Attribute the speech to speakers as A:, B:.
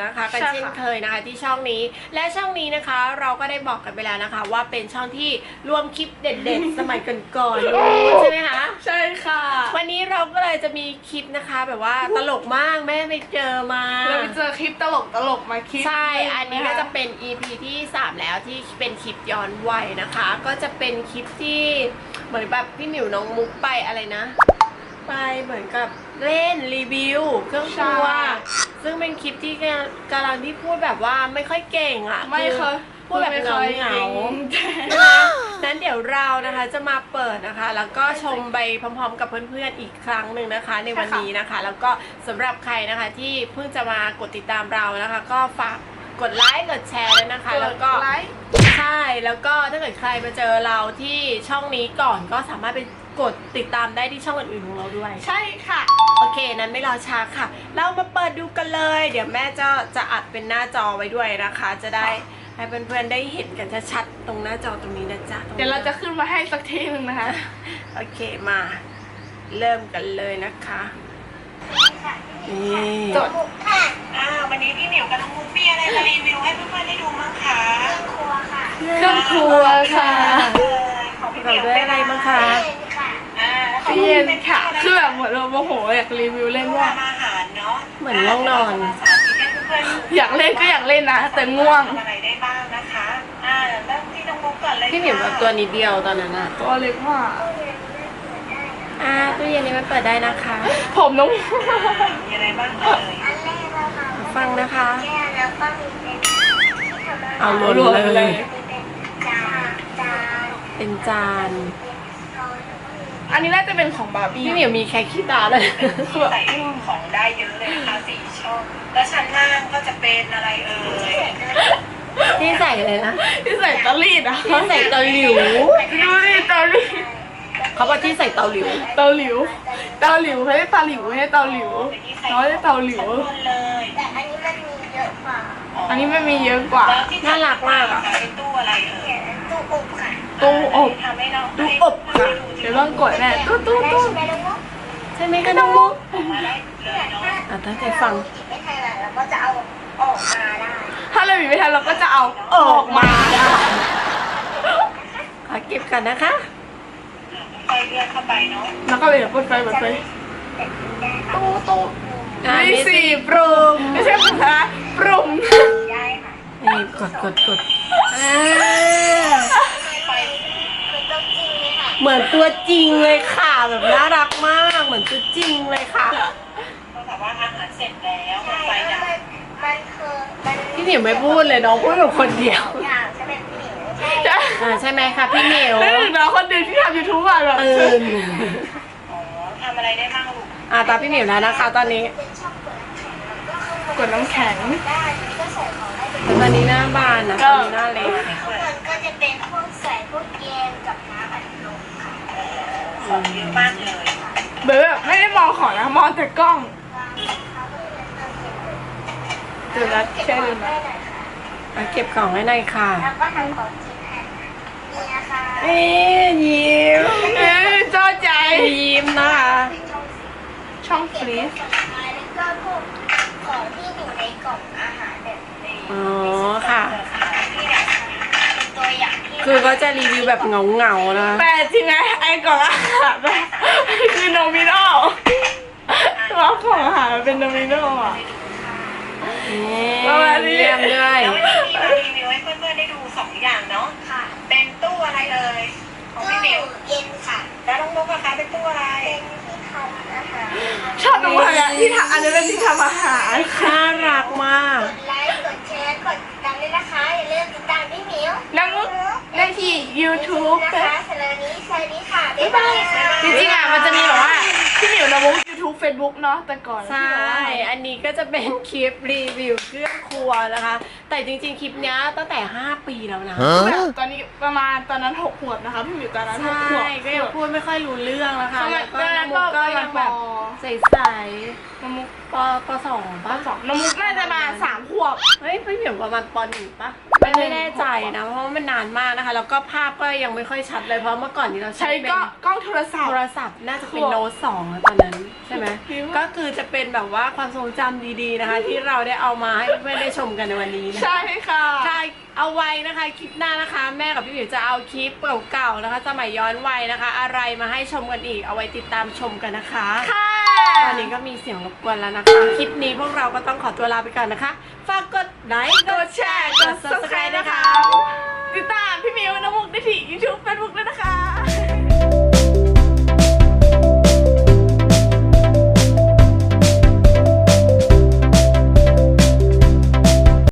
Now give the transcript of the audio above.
A: นะคะกันเช่นเคยนะคะที่ช่องนี้และช่องนี้นะคะเราก็ได้บอกกันไปแล้วนะคะว่าเป็นช่องที่รวมคลิปเด็ดๆ สมัยก่อนๆใช่ไหมคะ
B: ใช่ค่ะ
A: วันนี้เราก็เลยจะมีคลิปนะคะแบบว่าตลกมากแม่ไปเจอมา
B: เราไปเจอคลิปตลกมาคลิป
A: ใช่อันนี้ก็จะเป็น EP ที่3แล้วที่เป็นคลิปย้อนวัยนะคะก็จะเป็นคลิปที่เหมือนแบบพี่หมิวน้องมุกไปอะไรนะไปเหมือนกับเล่นรีวิวเครื่องครัวซึ่งเป็นคลิปที่กำลังที่พูดแบบว่าไม่ค่อยเก่งอ่ะ
B: ไม่เคย
A: พูดแบบเหงานั้นเดี๋ยวเรานะคะจะมาเปิดนะคะแล้วก็ชมไปพร้อมๆกับเพื่อนๆอีกครั้งหนึ่งนะคะในวันนี้นะคะแล้วก็สำหรับใครนะคะที่เพิ่งจะมากดติดตามเรานะคะก็ฝากกดไลค์กดแชร์ด้วยนะคะแล้วก็ใช่แล้วก็ถ้าเกิดใครมาเจอเราที่ช่องนี้ก่อนก็สามารถไปกดติดตามได้ที่ช่องอื่นๆของเราด้วย
B: ใช่ค่ะ
A: โอเคนั้นไม่รอช้าค่ะเรามาเปิดดูกันเลยเดี๋ยวแม่จะอัดเป็นหน้าจอไว้ด้วยนะคะจะได้ให้เพื่อนๆได้เห็นกันชัดๆตรงหน้าจอตรงนี้นะจ๊ะ
B: เดี๋ยวเราจะขึ้นมาให้สักทีนึงนะคะ
A: โอเคมาเริ่มกันเลยนะคะนี่
B: จด
C: ค่ะวันนี้พี่หมิวกับน้องมุกมีอะไรมารีวิวให้เพื่อนๆได้ดูมั้งคะเครื่องครัวค่ะ
B: เครื่องครัวค่ะ
C: ของพี่หมิว
A: ด้วยอะไรมั้งคะ
B: เย็นค่ะคือแบบเหมือนเราโมโหอยากรีวิวเล่นว่า
C: อาหารเนาะ
A: เหมือนง่วงนอน
B: อยากเล่นก็อยากเล่นนะแต่ง่วง
C: อะไรได้บ้างนะคะเริ่มที่น้องมุกก่อนเลย
A: พี่หมิวแบบตัวนิดเดียวตอนนั้นอะ
B: ตัวเล็กมาก
A: ตู้เย็นนี้มันเปิดได้นะคะ
B: ผมน้อง
C: มีอะไรบ้างเอ่ย
A: ฟังนะคะ เอา
B: รวมเลย
A: เป็นจาน
B: อันนี้น่าจะเป็นของบาร์บี้
A: พี่เหมียวมีแค่ขี้ตาเลย
C: ใส่ของได้เยอะเลยนะคะ4 ช่องแล้วชั้นล่างก็จะเป็นอะไรเอ่ย
A: ที่ใส่เลยนะ
B: ที่ใส่เตารีดอ่ะ
A: ที่ใส่เตาหลิว
B: ดูดิเตารีด
A: เขาบอกที่ใส่เตาหลิว
B: เตาหลิวไม่ใช่เตาหลิวไม่ใช่เตาหลิวน้อยเตาหลิว
C: แต่อันนี้มันมีเยอะกว่า
B: อันนี้มันมีเยอะกว่า
A: น่ารักมากอ่ะ
C: เป็นตู้อะไรเอ่ยตู้อบค่ะ
B: ตู้อบ
A: ตู้อบค่ะ
B: เดี๋ยวต้องกดแน่ตู้
A: ใช่ไหมคะน้องมุกตั้งใจฟัง
C: ไม่ทันแล้วก็จะเอาออกมาได้
B: ถ้าเราบีบไม่ทันเราก็จะเอาออกมา
A: ขอเก็บกันนะคะ
C: ไฟเลื่อนเข้าไปเนาะ
B: แล้วก็เลยเปิดไฟตู้มี4ปรุงไม่ใช่ค่ะปรุง
C: ได้ค่ะ
A: นี่กดเหมือนตัวจริงเลยค่ะแบบน่ารักมากเหมือนตัวจริงเลยค่ะ
C: ก็แบบว่าอาหารเสร็จแล้วไฟดับ
A: พี่หมิวไม่พูดเลยน้องพูดแบบคนเดียวใช่ไหมคะพี่หมิว
B: แล้วน้องคนเดียวที่ทำ YouTube อ่ะแบบ
C: ทำอะไรได้บ้างลูก
A: ตาพี่หมิวแล้วนะคะตอนนี้
B: กดน้ำแข็ง
A: ตอนนี้หน้าบานนะตอนนี้หน้าเล็ก
C: ก็จะเป็นพวกใส่พวกเกมกับน้ำอัดลมค่ะของเยอะมากเลย
B: แบบไม่ได้มองของนะมองแต่กล้องเดี๋ยวนะแค่ดูนะ
A: มาเก็บของให้หน่อยค่ะ
C: แล้วก็ทำของกินค่ะนี่นะคะ
A: ยิ้ม
B: เจ้าใจ
A: ยิ้มนะคะ
B: ช่องฟรีซ
C: แล้วก็พวกของที่อยู่ในกล่องอาหารแบบนี้
A: อ๋อค่ะ
C: ตัวอย่าง
A: คือก็จะรีวิวแบบเงาๆนะ
B: แต่จริงไงไอ้กล่องอาหารคือโนมิโนตัวของอาหารเป็นโนมิโนอ่ะ
A: เยี่ยมด้วย
C: แล้ววันนี้มีรีวิวให้เพื่อนๆได้ดู2 อย่างเนาะค่ะเป็นตู้อะไรเอ่ยของพี่มิวเย็นค่ะแล้วน้องมุกนะคะเป็นตู้อะไรเป็นที่ทำอาหาร
B: ชอบน้องมุกที่ทำอันนี้เป็นที่ทำอาหาร
A: น่ารักมาก
C: กดไลค์กดแชร์กดติดตามด้วยนะคะอย่าลืมติดตามพี่มิว
B: น้องมุกได้ที่ YouTube
C: นะคะสำหรับนี้สวัสดีค่ะบ๊ายบาย
B: จริงๆอ่ะมันจะมีแบบว่าพี่มิวน้องมุก YouTube Facebook เนาะแต่ก่อน
A: ใช่อันนี้ก็จะเป็นคลิปรีวิวเครื่องครัวนะคะแต่จริงๆคลิปนี้ตั้งแต่5 ปีแล้วนะ
B: ตอนนี้ประมาณตอนนั้น6 ขวบนะคะพี่มิวตอนนั้น6 ขวบ
A: ก็ยังพูดไม่ค่อยรู้เรื่องนะคะแล้วก็น้องมุกก็ยังแบบใสๆน้องมุกป.2ป่ะ
B: น้องมุกน่าจะมา3 ขวบ
A: เฮ้ยพี่เหมียวประมาณป.1ป่ะไม่แน่ใจนะเพราะมันนานมากนะคะแล้วก็ภาพก็ยังไม่ค่อยชัดเลยเพราะเมื่อก่อนนี้เรา
B: ใช้กล้องโทรศัพท์
A: น่าจะเป็นโน้ต2ตอนนั้นใช่ไหมก็ก็คือจะเป็นแบบว่าความทรงจำดีๆนะคะ ที่เราได้เอามาให้เพื่อนๆได้ชมกันในวันนี้นะ
B: ใช่ค่ะ
A: ค่ะ เอาไว้นะคะคลิปหน้านะคะ แม่กับพี่หมิวจะเอาคลิปเก่าๆนะคะ สมัยย้อนวัยนะคะ อะไรมาให้ชมกันอีกเอาไว้ติดตามชมกันนะคะ
B: ค่ะ
A: ตอนนี้ก็มีเสียงรบกวนแล้วนะคะคลิปนี้พวกเราก็ต้องขอตัวลาไปก่อนนะคะฝากกดไลค์กดแชร์กด subscribe นะคะ
B: ติดตามพี่มิวน้ำมุกได้ที่ YouTube Facebook ด้วย